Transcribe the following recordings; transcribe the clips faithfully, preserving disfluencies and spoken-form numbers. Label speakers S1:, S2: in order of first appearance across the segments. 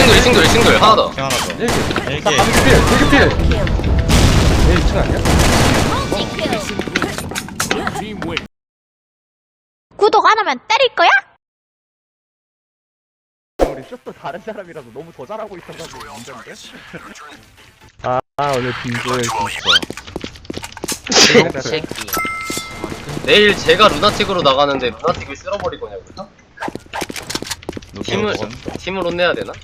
S1: 싱글 싱글 싱글 하나 더.
S2: 하나 더.
S3: 일기
S2: 일기.
S3: 일기 필 일기 필 얘 이 층 아니야?
S4: 구독 안 하면 때릴 거야?
S5: 우리 슛도 다른 사람이라서 너무 더 잘하고 있어가지고 문제인데? 아, 아 오늘 빙글 진짜
S1: 새끼. 내일 제가 루나틱으로 나가는데 루나틱을 쓸어버릴 거냐고요? 팀을 팀을 혼내야 되나?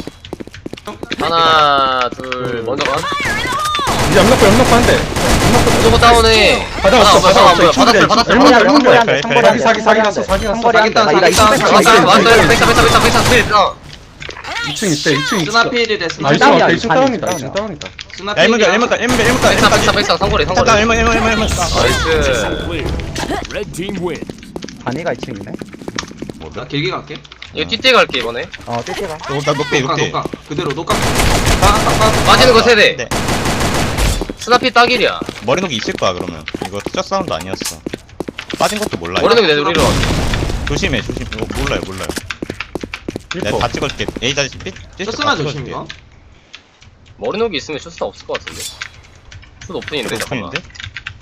S1: 하나 둘 먼저 가.
S3: 이제 연락고 연락고 한대
S1: 무조건 다운해.
S3: 받아
S1: 아,
S3: 왔어
S1: 뭐야,
S3: 받아
S1: 뭐야,
S3: 왔어
S1: 받았어요, 받았어요,
S3: 일문이야
S1: 받았어요.
S3: 일문이야
S5: 한거리
S2: 그래,
S5: 한거리
S3: 사기 사기 났어 사기 났어
S5: 한거리
S3: 사기
S5: 한다. 나 이거
S1: 왔어요
S5: 이층
S1: 왔어요. 백사 백사 백사 백사 백사 백사.
S3: 이 층 있대 이 층 있어
S6: 스나필이래
S3: 아
S6: 스나필
S3: 이 층 왔다 이 층
S5: 다운이야,
S3: 다운이다 이 층
S5: 다운이야.
S3: 다운이다
S2: 야, 일문가, 일문가, 일문가, 일문가,
S1: 백사 백사
S2: 일문가.
S1: 백사 상거리
S2: 잠깐,
S1: 상거리.
S2: 일문, 일문, 일문, 일문.
S1: 나이스.
S7: Red team win.
S5: 반이가 이층이네
S6: 나 길게 갈게.
S1: 이거 뒷대 갈게 이번에.
S5: 어 띠띠가
S2: 너, 나 녹대,
S6: 녹각
S2: 녹대.
S6: 녹각 그대로 녹각. 빡빡빡
S1: 빠지는 거 세대.
S2: 네.
S1: 스나피 딱일이야.
S2: 머리 녹이 있을 거야, 그러면. 이거 첫 사운드 아니었어. 빠진 것도 몰라요.
S1: 머리는 내 우리로.
S2: 조심해, 조심. 이거 몰라요, 몰라요. 내가 다 찍어줄게. A 자리 삐,
S6: 쇼스나 조심 이거.
S1: 머리녹이 있으면 쇼스타 없을 것 같은데. 슛 오픈인데 잠깐만.
S2: 오픈인데?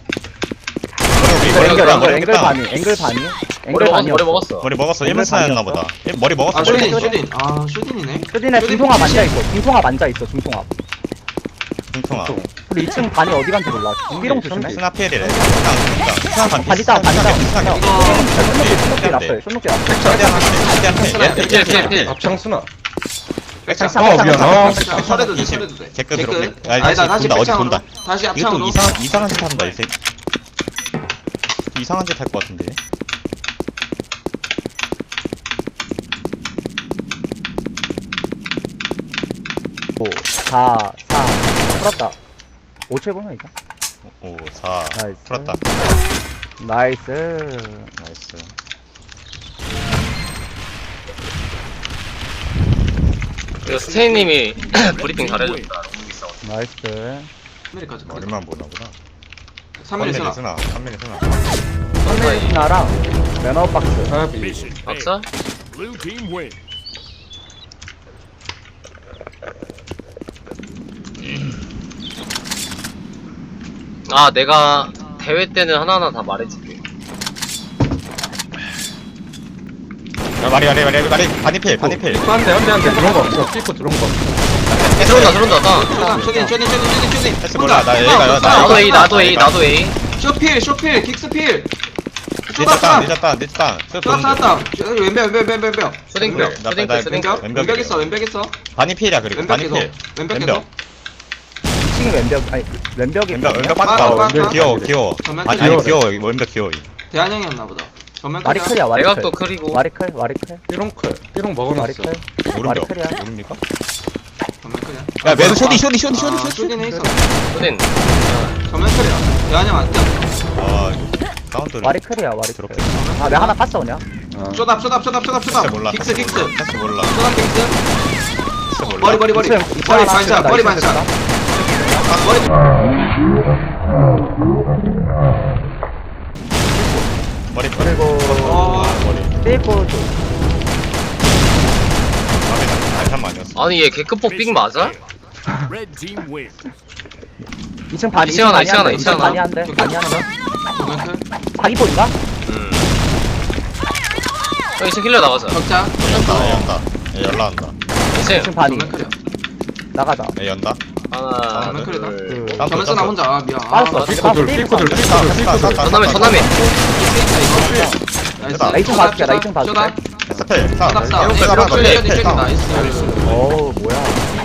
S5: 이거
S2: 머리
S5: 앵글
S2: 녹이
S5: 앵글 앵글
S2: 있다.
S5: 반이 앵글 반이
S1: 머리
S5: 앵글
S1: 먹었어
S5: 반이
S1: 머리 먹었어.
S2: 머리 먹었어.
S5: 앵글
S2: 일문 스나였나
S5: 반이었어?
S2: 보다. 일- 머리 먹었어,
S6: 아
S2: 머리
S6: 슈딘
S2: 먹었어.
S6: 슈딘. 아 슈딘이네.
S5: 수진에 중통합 앉아있어 중통합 앉아있어 중통합
S2: 중통아.
S5: 우리 이 층 반이 어디 간지 몰라 중비롱 조심해
S2: 스나피엘이래. 스나 반
S5: 반이 다운 반이 다운
S2: 스나
S5: 쇼노키 쇼노키 앞에 쇼노키 앞에
S2: 최대한 한 대, 최대한 한 대.
S1: 필 필 필.
S3: 앞창수나
S2: 백창.
S5: 백창,
S3: 어 미안 아
S6: 백창 설해도 돼 설해도 돼.
S2: 개끝
S6: 개끝.
S2: 들어오네.
S6: 아니다 다시
S2: 본다, 어디
S6: 백창으로.
S2: 본다.
S6: 다시
S2: 이거 또
S6: 앞창으로.
S2: 이상한, 이상한 짓 한다, 이 새끼. 이상한 짓 할 것 같은데.
S5: 오 사 사 풀었다 오 칠 보면 이거
S2: 오, 사.
S5: 나이스.
S2: 풀었다.
S5: 나이스
S2: 나이스.
S1: 이거 스테이님이 브리핑 잘해줬다.
S5: 나이스
S6: 삼밀까지 가.
S2: 머리만 보나구나.
S6: 삼밀 스나.
S2: 스나. 삼 밀리 스나.
S5: 나랑 매너 박스
S3: 아비
S7: Mission
S1: 박사?
S7: failed. Blue team win.
S1: 아 내가 대회 때는 하나하나 다 말해줄게.
S2: 야, 말이, 말이, 말이, 말이. 반이필, 반이필.
S3: 한대 한대 한대 들어온 거 없어 삐고 들어온 거
S1: 들어온다 들어온다 나.
S6: 슈딘 슈딘 슈딘 슈딘 슈딘.
S2: 패스 몰라. 나 A가, 나
S1: 나도 A 나도 A 나도 A.
S6: 쇼필 쇼필 킥스필.
S2: 늦었다,
S6: 쇼다
S2: 늦었다, 늦었다.
S6: 쇼다 쐈다. 왼벽 왼벽 왼벽 왼벽.
S1: 쇼딩클
S2: 나-
S1: 쇼딩클
S2: 나-
S1: 쇼딩클.
S6: 왼벽
S2: 왼벽이래.
S6: 왼벽 있어 왼벽 있어.
S2: 반이필이야, 그리고.
S6: 왼벽에서
S2: 반이필.
S6: 왼벽에서.
S2: 왼벽.
S5: 이 층이 왼벽 아니 왼벽이
S2: 왼벽, 왼벽
S6: 빠-
S2: 빠졌다.
S6: 빠-
S2: 왼벽
S6: 빠-
S2: 귀여워, 귀여워.
S6: 정말
S2: 아니,
S6: 귀여워.
S2: 아니, 귀여워. 왼벽 귀여워.
S6: 대한형이었나 보다. 정면
S5: 와리
S6: 클리어.
S5: 클이야 와리 클
S1: 대각도 크리고.
S5: 와리 클 와리 클
S3: 삐롱클 삐롱
S5: 와리
S3: 먹어놨어
S5: 클
S2: 오른벽.
S5: 클이야.
S2: 오른입니까?
S6: 정면 클리어.
S2: 야, 매도 쇼디, 쇼디, 쇼디, 쇼디,
S6: 아,
S2: 쇼디.
S6: 슈딘에 있어.
S1: 쇼딩.
S6: 정면 클리어. 대한형 안 뛰어.
S2: 아, 사운드를.
S5: 와리 클이야 와리
S2: 저렇게.
S5: 클아 내가 하나 깠어 그냥
S3: 아.
S6: 쇼답 쇼답 쇼답 쇼답
S2: 패스
S6: 쇼답.
S2: 몰라.
S6: 킥스 킥스.
S2: 패스 몰라.
S6: 쇼답 킥스.
S2: 패스 몰라.
S6: 머리 머리 머리.
S5: 이 층, 이 층
S6: 머리
S5: 하나
S6: 반샷
S5: 층이다,
S6: 머리
S5: 이 층
S6: 반샷.
S5: 층이다.
S6: 머리.
S2: 머리, 머리.
S5: 그리고
S6: 어.
S2: 머리.
S5: 삐고
S2: 마음에 안 아니었어.
S1: 아니 얘 개크폭 빅 맞아?
S7: Red team win.
S5: 이 층 반이
S1: 이 층 하나,
S5: 반이
S1: 이 층 하나,
S5: 한대,
S1: 이 층 하나.
S5: 반이 한대 반이 한대
S6: 정면 클.
S5: 사기볼인가?
S1: 음. 형 이층 킬러 나가자.
S6: 적자.
S2: 연다, 연다. 얘 연락한다.
S1: 이층
S5: 이 층 반이
S6: 정면 클리어.
S5: 나가자
S2: 얘 연다.
S1: 하나
S6: 정면 클리어.
S1: 둘.
S5: 그
S2: 땀
S6: 정면 쓰나 혼자. 아 미안.
S5: 빠졌어
S3: 삐고 둘 삐고 둘 삐고 둘 삐고 둘
S1: 전남에 전남에.
S6: 나이스.
S5: 나 이층 봐줄게, 나 이층 봐줄게.
S6: 쇼답.
S2: 스펠. 사.
S6: 쇼답 싸.
S2: 에어컨
S6: 쇼답
S2: 하나
S6: 쇼답
S2: 더.
S6: 쇼답
S2: 사.
S6: 나이스.
S5: 어우 뭐야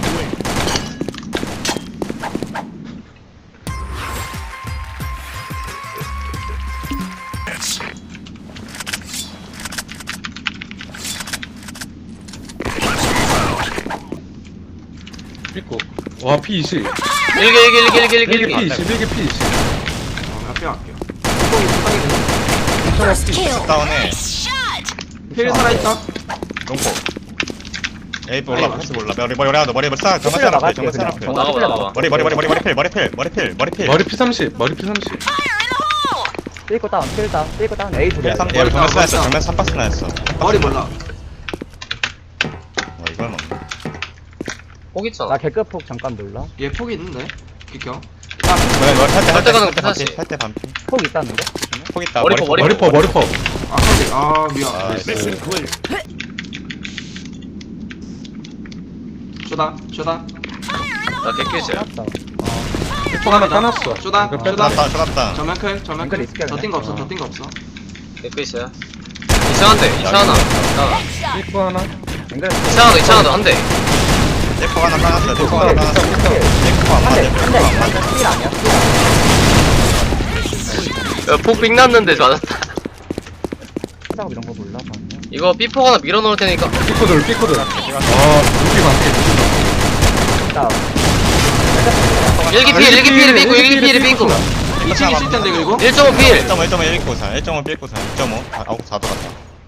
S3: 삐고 와 피 이십
S1: 일기 일기 일기 일기 일기
S3: 일기 피
S1: 일기.
S3: 이십 일기 피 이십
S6: 앞에 할게요. 뚜껑이 뚜껑이 되네.
S2: 다운해.
S6: 필 살아있다.
S2: 롱포. 에이 몰라. 패스 몰라. 머리 머리 하나 더. 머리 머리 싹. 정말
S5: 패스를
S2: 싹.
S5: 나갈게,
S2: 정말 싹.
S5: 그냥.
S1: 나가봐 나가봐.
S2: 머리 머리 머리 머리 머리 필 머리 필 머리 필 머리 필
S3: 머리 피 삼십 머리 피 삼십
S5: 삐고 다운 삐고 다운 삐고 다운 A 둘이야
S2: 얘 삼,
S6: 머리
S2: 얘 정면
S6: 다운,
S2: 스나였어.
S6: 머리
S2: 정면 삼박스 나였어.
S6: 머리 몰라.
S2: 어, 이걸 먹네.
S1: 폭 있잖아.
S5: 나 개급폭 잠깐 몰라.
S6: 얘 폭이 있는데 기켜
S2: 뭐야 너 살때
S1: 살때 가는
S2: 살때
S1: 거
S2: 반피
S1: 피사시.
S2: 살때 반피
S5: 폭 있다는데?
S2: 폭 있다
S1: 머리포, 머리포.
S3: 머리퍼 머리퍼.
S6: 아 근데 아 미안
S2: 아,
S7: Mission clear.
S6: 쇼다 쇼다
S1: 나 개퀴즈야.
S5: 맞다.
S3: 폭 하나 까놨어.
S6: 쇼다
S3: 이거
S6: 쇼다
S3: 뺐다.
S2: 쏟았다 쏟았다
S6: 전면 클 전면
S5: 앵글
S6: 클
S5: 있을게,
S6: 더
S5: 그냥.
S6: 뛴 거 없어
S5: 어.
S6: 더 뛴 거 없어
S1: 개퀴즈야. 이상한데, 이상하나. 이상하나.
S3: 삐꾸 하나.
S5: 앵글
S1: 이상하다, 이상하다. 한 대.
S2: 떼포 하나 까놨어 떼포 하나
S5: 한
S2: 까놨어
S5: 대,
S2: 떼포 안
S5: 한
S2: 맞아
S5: 대, 한 대, 한 대. 필 아니야?
S1: 야, 폭빅 났는데 맞았다.
S5: 피자고 이런 거 몰라. 방금.
S1: 이거 삐폭 하나 밀어넣을 테니까.
S3: 삐꾸들 삐꾸들. 아 여기 많게.
S5: 자,
S1: 일기 필, 일기 필, 삐고, 일기 필, 삐고.
S6: 이 층 있을 텐데 그리고
S1: 일 점 오 필.
S2: 일 점 오 일 점 오 일 구 사 일 점 오 삐꾸 사 일 점 오 아홉 사 들어갔다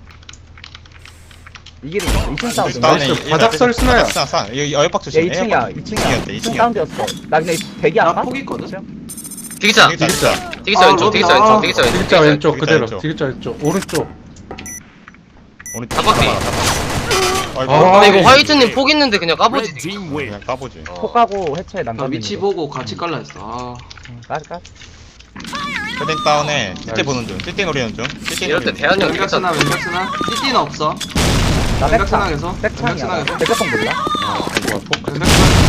S5: 이길이 이층 사운드.
S3: 나이스. 바닥설 스나야.
S2: 바닥 스나 이거 어역박
S5: 얘
S2: 조심
S5: 이 층이야, 이 층이야.
S2: 이층이었대
S5: 이
S2: 이
S5: 층
S2: 층이었대
S5: 사운드였어. 나 근데 대기 안
S6: 나
S5: 가?
S6: 폭 있거든
S1: 디귿자.
S2: 디귿자
S1: 디귿자
S6: 아,
S1: 왼쪽, 디귿자
S6: 아.
S1: 왼쪽, 디귿자 왼쪽.
S3: 디귿자 왼쪽
S2: 디귿자
S3: 그대로.
S2: 왼쪽.
S3: 디귿자 왼쪽. 오른쪽.
S2: 오늘
S1: 탑바퀴.
S2: 아이고
S3: 아,
S1: 근데 이거 화이트님 폭 있는데 그냥 까보지.
S7: Red team win.
S2: 그냥 까보지
S5: 폭 가고 해체
S6: 나
S5: 난가.
S6: 위치 보고 같이 깔라 했어 아
S5: 까지 까지.
S2: 헤딩 다운에 띠띠 보는 중 띠띠 노리는 중 띠띠
S1: 이럴 때
S2: 노리는 중
S1: 대한형
S6: 왼각 쓰나
S1: 괜찮아.
S6: 왼각 쓰나 띠띠는 없어
S5: 나
S6: 왼각
S5: 백창.
S6: 쓰나 계속 왼각 쓰나
S5: 백창이야.
S6: 계속
S5: 백창 몰라?
S6: 왼각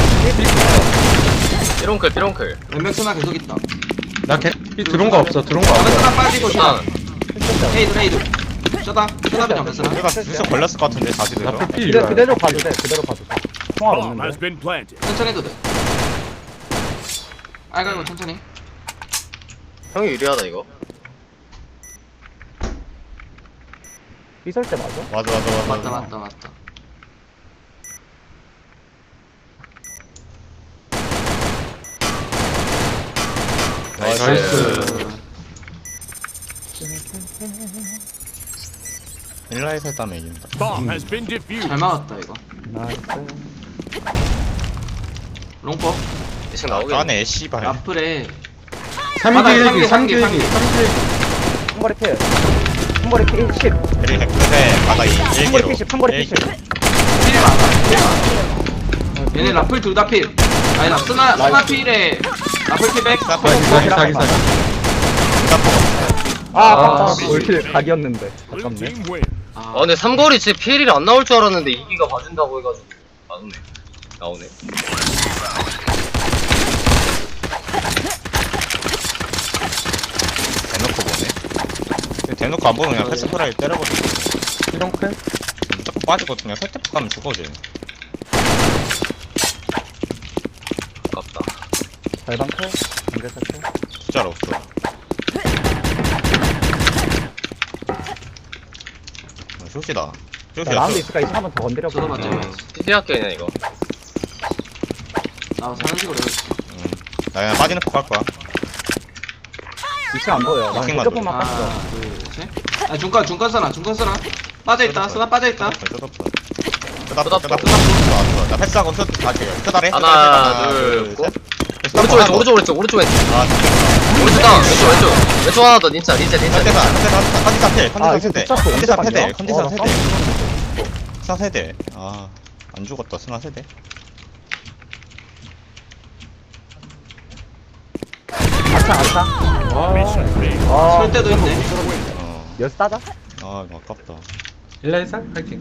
S6: 쓰나
S1: 삐롱클, 삐롱클.
S6: 왼각 쓰나 계속 있다
S3: 나개 들어온 거 없어. 들어온 거
S6: 왼각
S3: 없어.
S6: 쓰나 빠지고 쇼다
S1: 아,
S6: 헤이드 헤이드 쇼다 쇼다 왼각 쓰나
S2: 우리가 슬쩍 걸렸을 것 같은데 다시 들어
S3: 나풀 피.
S5: 그대로, 그대로 봐도 돼. 그대로 봐도 돼. 통화
S7: Bomb has
S5: 없는데.
S7: been planted.
S6: 천천히 해도 돼 아이고 아이고 천천히
S1: 형이 유리하다 이거.
S5: 삐설 때 맞아?
S2: 맞아 맞아 맞아
S6: 맞다 맞다 맞다
S3: 나이스.
S2: 일라에서 했다면 이긴다
S7: Bomb has been defused.
S6: 잘 막았다 이거
S5: 나이스.
S6: 롱포
S1: 대충 나오겠네.
S2: 까네 씨발
S6: 라플에
S3: 삼 기
S6: 바닥에
S3: 일기 삼 기
S6: 삼 기,
S3: 일기.
S6: 삼 기.
S5: 한 거리 필. 한 거리 필 십.
S2: 그리고 핵끝에 바닥
S5: 한 거리
S2: 일기로
S5: 필 십. 한 거리 필 십.
S6: 필 많아 필 많아 얘네 라플 둘 다 필 아니 나 스나 스나 필에 라플 필백
S3: 사기 사기 사기 사기.
S5: 아,
S6: 아,
S5: 아깝다. 올킬 각이었는데.
S7: Blue
S5: 아깝네.
S7: team win.
S1: 아 근데 삼거리 진짜 피엘이 안 나올 줄 알았는데 이기가 봐준다고 해가지고 나오네. 나오네.
S2: 대놓고 보네 대놓고 안 보면 그냥 패스 프라이 때려버리고
S3: 이런클.
S2: 무조건 빠지고 그냥 설득 가면 죽어지
S1: 아깝다.
S5: 발방클. 앵글 세트.
S2: 진짜로 없어 어, 쇼시다
S5: 나
S2: 쇼시야
S5: 라운드
S2: 쇼
S5: 있을까? 이층 한번 더 건드려
S6: 저도
S5: 볼게.
S6: 맞죠
S1: 피디 학교냐 이거.
S6: 나 사는 식으로 해야지
S2: 음. 나 그냥 빠지는 폭 할 거야
S5: 이층 안 보여. 나
S2: 워킹만
S5: 핸드폰만 깠어.
S6: 하나 둘셋아 중간 중간 쓰나 중간 쓰나 빠져있다 쓰나 빠져있다
S2: 쇼답 쇼답 쇼답 나 패스하고 쇼 다시 쇼다래
S1: 하나, 둘, 고. 오른쪽 왼쪽 오른쪽 오른쪽 오른쪽 왼쪽.
S2: 아
S1: 오른쪽 다운 왼쪽 왼쪽 왼쪽 하나 더 닌자 닌자 닌자.
S2: 컨디사 컨디사 컨디사 패
S5: 아,
S2: 컨디사
S5: 이거
S2: 세대
S5: 붙잡고
S2: 컨디사
S5: 언제
S2: 세대
S5: 봤냐?
S2: 컨디사
S5: 어, 나
S2: 세대 스나 세대 아안 죽었다 스나 세대
S5: 아차, 아차.
S7: Mission failed.
S5: 아,
S6: 설 때도 있네
S2: 어
S5: 몇 따자?
S2: 아 이거 아깝다
S3: 일라이사 파이팅.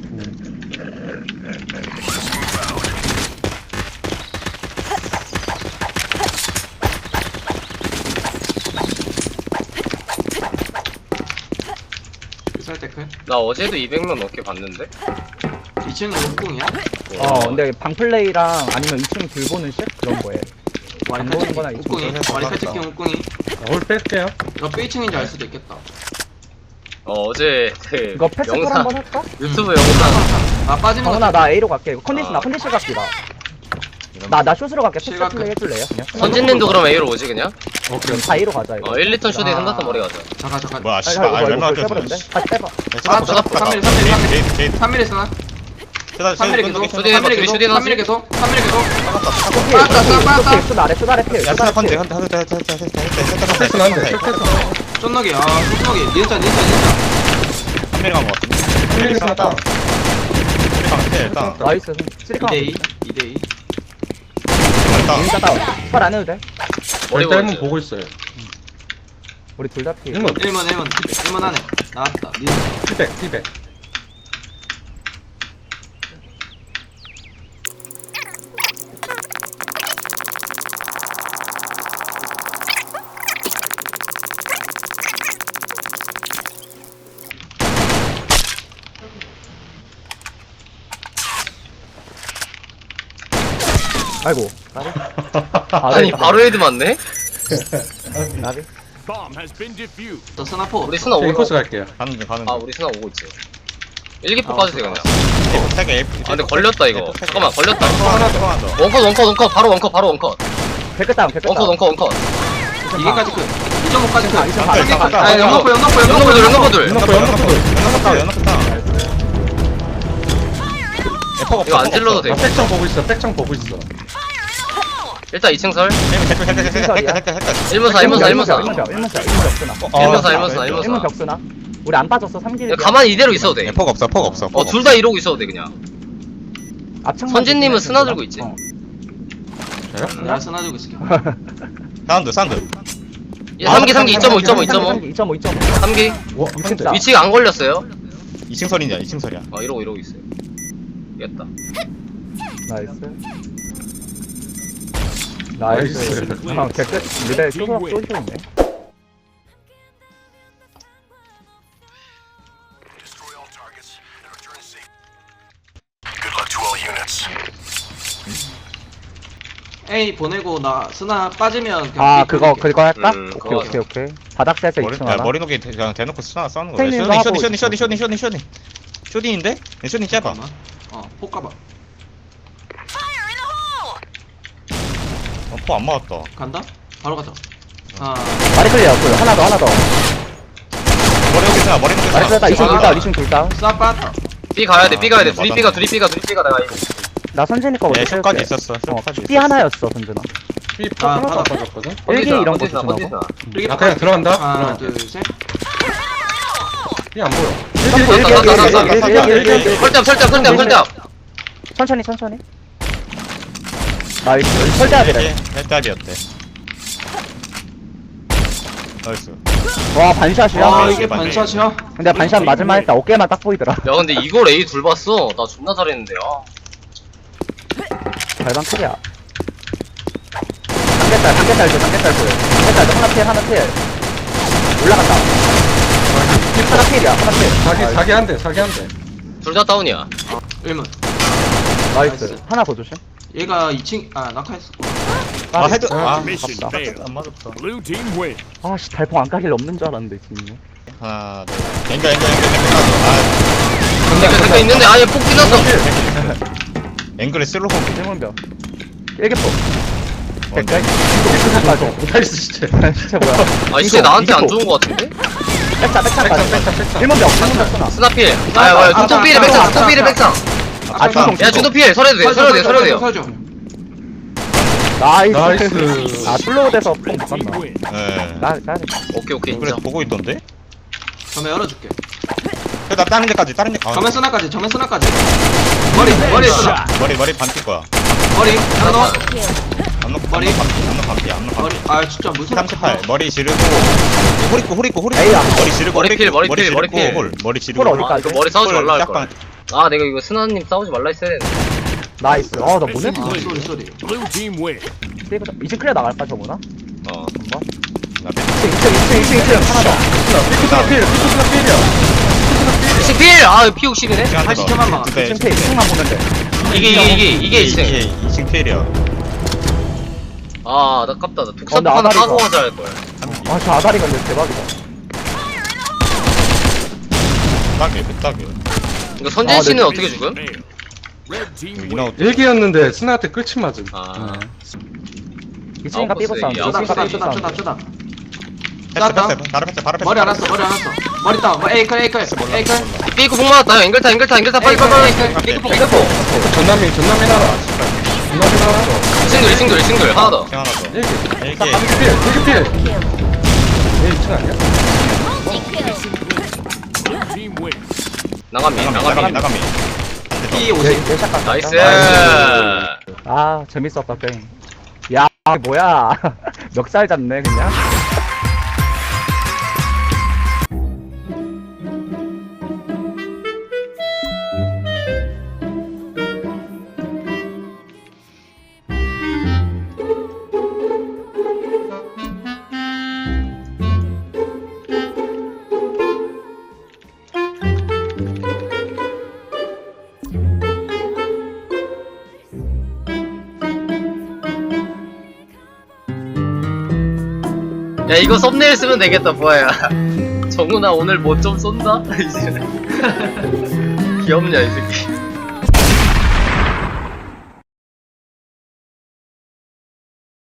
S6: 설 때클
S1: 나 어제도 이백 명 넘게 봤는데.
S6: 이 층은 옥궁이야
S5: 어, 근데 방플레이랑 아니면 이층 들보는 식? 그런 거에.
S6: 와리
S5: 안
S6: 칼
S5: 보는 거나
S6: 찍기
S5: 이
S6: 옥궁이
S2: 정도에서
S6: 와리 칼 찍기
S2: 나갔다.
S6: 옥궁이
S3: 올 뺄게요.
S6: 너 이 층인지 알 수도 있겠다
S1: 어 어제 그
S5: 이거 패스볼
S1: 영상
S5: 한번 할까?
S1: 유튜브 영상
S6: 아 빠지는 거
S5: 정훈아, 나 A로 갈게. 컨디션, 나
S1: 아.
S5: 컨디션 갈게, 나. 나, 나 숏으로 갈게. 패스
S6: 실각
S5: 플레이 해줄래요? 그냥?
S1: 선진님도 그럼 A로 오지 그냥?
S5: 그럼 다 A로 가자, 이거.
S1: 어 일, 이 턴 쇼딩
S6: 아.
S1: 삼, 사 턴 머리 가자.
S6: 잠깐 잠깐
S2: 뭐야
S5: 아,
S2: 씨발
S5: 이거,
S2: 아
S5: 이거
S2: 얼마나
S5: 벌써 해버렸는데? 다시 빼봐.
S6: 아, 저, 삼 밀, 삼 밀, 삼 밀.
S2: 게이트 게이트
S6: 삼 밀에 쓰나? 삼 밀에 계속
S1: 쇼딩
S6: 삼 밀에
S1: 해봐,
S6: 계속
S1: 쇼딩
S6: 삼 밀에 계속 삼 밀에 계속
S5: 쇼필,
S6: 빠졌다,
S5: 쇼필,
S6: 빠졌다.
S5: 쇼필, 숏 아래, 숏 아래 필,
S2: 야
S5: 숏
S2: 스나
S5: 아래
S2: 컨디
S5: 필.
S2: 컨디 컨디 컨디 컨디 컨디
S3: 패스는 안 돼.
S2: 컨디
S3: 패스.
S6: 쫀너기 아 쫀너기 니은자 니은자 니은자
S2: 한 명이 간거 같은데
S3: 일기 스나 다운.
S2: 일단 일단
S5: 나이스, 쓰리카.
S6: 이 대 이 이 대 이
S2: 다운.
S5: 인자 다운. 스펄 안 해도 돼.
S1: 머리
S3: 일단
S1: 보이지?
S3: 일문 보고 있어요.
S5: 우리 둘 다 피.
S3: 일문.
S6: 일문 일문 일문 안에 나왔다. 민.
S3: 피백, 피백.
S5: 아이고. 나비.
S1: 아니 바로 헤드 맞네?
S5: 나비.
S7: Bomb has been defused.
S6: 저 스나포.
S1: 우리 스나
S3: 저
S1: 오고
S3: 인코스 갈게요.
S2: 가는 중 가는
S1: 아
S2: 중.
S1: 우리 스나 오고 있지 일기포
S6: 아,
S1: 빠지세요 그냥
S2: 에이프 세 개, 에이프
S1: 아 근데 걸렸다 이거 잠깐만 걸렸다
S2: 하나 더 하나 더.
S1: 원컷 원컷 원컷 바로 원컷 바로 원컷
S5: 개끝 다운 개끝
S1: 원컷
S5: 다운.
S1: 원컷 원컷
S6: 이게까지 끝. 이 점 오까지 끝.
S5: 이점 반, 이점 반.
S6: 아 연거포 연거포
S1: 연거포들
S6: 연거포.
S1: 연거포들
S2: 연합 연합 다운 연합 다운. 에퍼가 없어.
S1: 이거 안 질러도 돼
S3: 나 백창 보고 있어. 백창 보고 있어.
S1: 일단 이 층 설
S2: 에이프 댓글 댓글 댓글 댓글 댓글 댓글.
S1: 일문사 일문사 일문사
S5: 일문사 일문사 일문 격수나.
S2: 어,
S1: 일문사
S2: 어,
S1: 일문사
S2: 어,
S1: 일문사
S5: 일문 격수나. 우리 안 빠졌어 삼 길.
S1: 야, 가만히 이대로 있어도 돼
S2: 에퍼가 없어 에퍼가 없어.
S1: 어 둘 다 이러고 있어도 돼 그냥
S5: 앞창.
S1: 선진님은 스나 들고 있지.
S5: 어.
S6: 내가 스나 들고 있을게.
S2: 사운드 사운드.
S1: 야, 삼 기 삼 기 이 점 오 이 점 오 이 점 오
S5: 이 점 오 이 점 오.
S1: 삼 기
S5: 와 진짜.
S1: 위치가 안 걸렸어요
S2: 이 층 설이냐 이 층 설이야.
S1: 어 이러고 이러고 있어요 이겼다
S5: 나이스. 나이스. 아 개끝. 미래 쪼그락 쏘시네.
S6: A 보내고 나 스나 빠지면 그냥
S5: 아
S6: B
S5: 그거
S6: 보낼게.
S5: 그거 할까?
S1: 음,
S5: 오케이
S1: 그거
S5: 오케이 오케이. 바닥 세서
S2: 머리
S5: 이 층
S2: 야,
S5: 하나.
S2: 머리 녹이 그냥 대놓고 쓰나 싸는 거야.
S5: 팬님도
S2: 쇼딩
S5: 하고
S2: 쇼딩 쇼딩
S5: 있어.
S2: 쇼딩 쇼딩 쇼딩 쇼딩. 쇼딩인데? 쇼딩 짧아.
S6: 잠깐만. 어, 폭 가봐.
S2: 어, 포 안 맞았다.
S6: 간다? 바로 가자. 아,
S5: 마리 클리어 그 하나 더 하나 더.
S2: 머리 녹이 쓰나 머리 녹이
S5: 마리 클리어
S2: 쓰나.
S5: 이 층 둘 다운 이 층 둘 다운.
S6: 쏴 빠졌다.
S1: B 가야 돼 B 가야 돼
S2: 맞아.
S1: 둘이 B가 둘이 B가 둘이 B가 내가 이거
S5: 나 선진이 거거든.
S2: 예, 쇼까지 있었어. 쇼까지
S5: B
S2: 있었어.
S5: 하나였어 선진아.
S3: 삐
S6: 아,
S3: 하나도 안
S6: 받아.
S3: 빠졌거든.
S5: 일기 이런 거
S1: 컨디스나,
S5: 조심하고.
S1: 컨디스나.
S6: 이렇게
S3: 나 그냥 들어간다.
S6: 하나,
S3: 들어갈게.
S6: 둘, 셋.
S3: 삐안 보여.
S1: 나, 나, 나, 나, 나, 나.
S5: 일기, 일기, 일기, 일기.
S1: 설정 설정 설정 설정
S5: 천천히 천천히. 나이스. 설대하기래.
S2: 헬답이었대. 나이스.
S5: 와 반샷이야.
S6: 와,
S2: 아,
S6: 이게
S2: 맞네.
S6: 반샷이야?
S5: 근데 반샷 맞을만 했다. 어깨만 딱 보이더라.
S1: 야 근데 이걸 A 둘 봤어 나 존나 잘했는데 아
S5: 발방 크리야. 삼겹살 삼겹살 줘 삼겹살 줘. 삼겹살 줘 하나 필 하나 필. 올라간다. 하나 필이야 하나 필.
S3: 사기 사기 한 대. 사기 한 대.
S1: 둘 다 다운이야
S6: 일문.
S5: 나이스.
S6: 나이스.
S5: 하나 더 조심.
S6: 얘가 이 층, 아, 낙하했어.
S2: 아 헤드. 아
S7: Mission
S5: 아깝다.
S7: failed.
S2: 안 맞았어.
S7: Blue team win.
S5: 아씨 달팽 안 까길 없는 줄 알았는데 지금.
S2: 하나 둘. 앵글 앵글 앵글 앵글. 아
S1: 근데 그 근데 있는데 아예 폭 뛰었어
S2: 앵글에 슬로우 공.
S5: 일문병. 일개포.
S2: 뭔데?
S5: 백까지.
S3: 나이스 진짜.
S5: 진짜 뭐야?
S1: 아 진짜 나한테 안 좋은 거 같은데?
S5: 백차 백차
S3: 백창
S5: 까지.
S3: 백창 백창.
S5: 일문병 일문병 쓰나.
S1: 스나필 아야 뭐야 중통 필에 백상 중통 필에 백상
S5: 아 중동
S1: 야 중통 필 설해도 돼 설해도 돼 설해도 돼요
S6: 설줘.
S5: 나이스.
S3: 나이스.
S5: 아 슬로우 돼서 뽕
S7: Red team
S5: 맞았나?
S7: win.
S2: 예.
S5: 나 나.
S1: 오케이 오케이
S2: 그래
S1: 인정
S2: 보고 있던데?
S6: 전면 열어줄게.
S2: 나 다른 데까지 다른 데. 아,
S6: 전면 스나까지, 전면 스나까지. 머리, 머리 스나.
S2: 머리 머리 반뛸 거야.
S6: 머리, 하나 더.
S2: 안놓
S6: 머리.
S2: 안놓 반피 안놓 반피 안놓
S6: 머리,
S2: 반피.
S6: 아, 진짜 무슨.
S2: 삼십팔 머리 지르고 홀 있고 홀 있고 홀 있고
S5: 에이야.
S2: 머리 지르고
S1: 머리
S2: 홀
S1: 필,
S2: 있고,
S1: 머리 필, 머리
S2: 지르고
S1: 필.
S2: 홀 머리 지르고
S5: 홀
S2: 홀.
S5: 어디까지?
S1: 아 이거 머리 싸우지 말라
S2: 짝방.
S1: 할걸 아 내가 이거 스나님 싸우지 말라 했어야 했는데
S5: 나이스. 어나 뭐네?
S7: Mission
S6: 아,
S7: win.
S6: 쏘리, 쏘리.
S7: Blue team win.
S5: 이제 클리어 나갈까 저거나?
S1: 어
S5: 한번.
S2: 나
S5: 이 층 이 층 이 층 이 층 이 층 하나 더.
S3: 피쿠스나 필. 피쿠스나 필이야.
S1: 이층 필! 아 피 육십이네
S6: 팔십 초만 막아.
S2: 네.
S5: 이 층 필. 이 층만 보면 돼.
S1: 이게 이게 이게 이게 이층
S2: 이게 이층 필이야.
S1: 아 아깝다 나
S5: 어,
S1: 독사포
S5: 근데
S1: 하나
S5: 아다리가-
S1: 까고 하자 할걸
S5: 아 저 아다리 건데 대박이다.
S2: 딱이야 그 딱이야.
S1: 이거 선진 씨는
S5: 아,
S1: 어떻게 죽음?
S7: Failed. Red team win.
S2: 이나우
S3: 일기였는데 스나한테 끝이 맞음.
S1: 아.
S3: 네.
S5: 이 층인가
S1: 아웃버스
S5: 삐고 사운드.
S1: 얘기야.
S6: 쪼다,
S5: 이
S6: 쪼다,
S5: 층인가
S6: 쪼다,
S5: 삐고
S6: 쪼다,
S5: 사운드.
S6: 쪼다.
S2: 패스
S6: 쐈다.
S2: 패스 바로 패스 바로 패스.
S6: 머리 안 왔어, 머리 안 왔어. 머리 다운, 뭐, 에이클, 에이클, 에이클.
S1: 삐고 폭 맞았다 앵글타 앵글타 앵글타 빨리 빨리 빨리 삐고 폭 삐고 폭
S3: 전남이 전남이 나라. 전남이 나라.
S1: 이층들 이층들 이층들 하나 더
S2: 층 하나 더.
S3: 일기.
S2: 일기.
S3: 딱 일기 필. 일기 필. 얘 이층 아니야?
S7: Blue team win.
S1: 나가미
S2: 나가미 나가미
S1: 나가미
S2: 나가미.
S6: 피
S5: 내,
S6: 오십.
S5: 내 샷. 갔다.
S1: 나이스
S5: 아 재밌었다 게임. 아 뭐야 멱살 잡네 그냥.
S1: 야 이거 썸네일 쓰면 되겠다 뭐야. 정훈아 오늘 뭐 좀 쏜다? 이제 귀엽냐 이 새끼.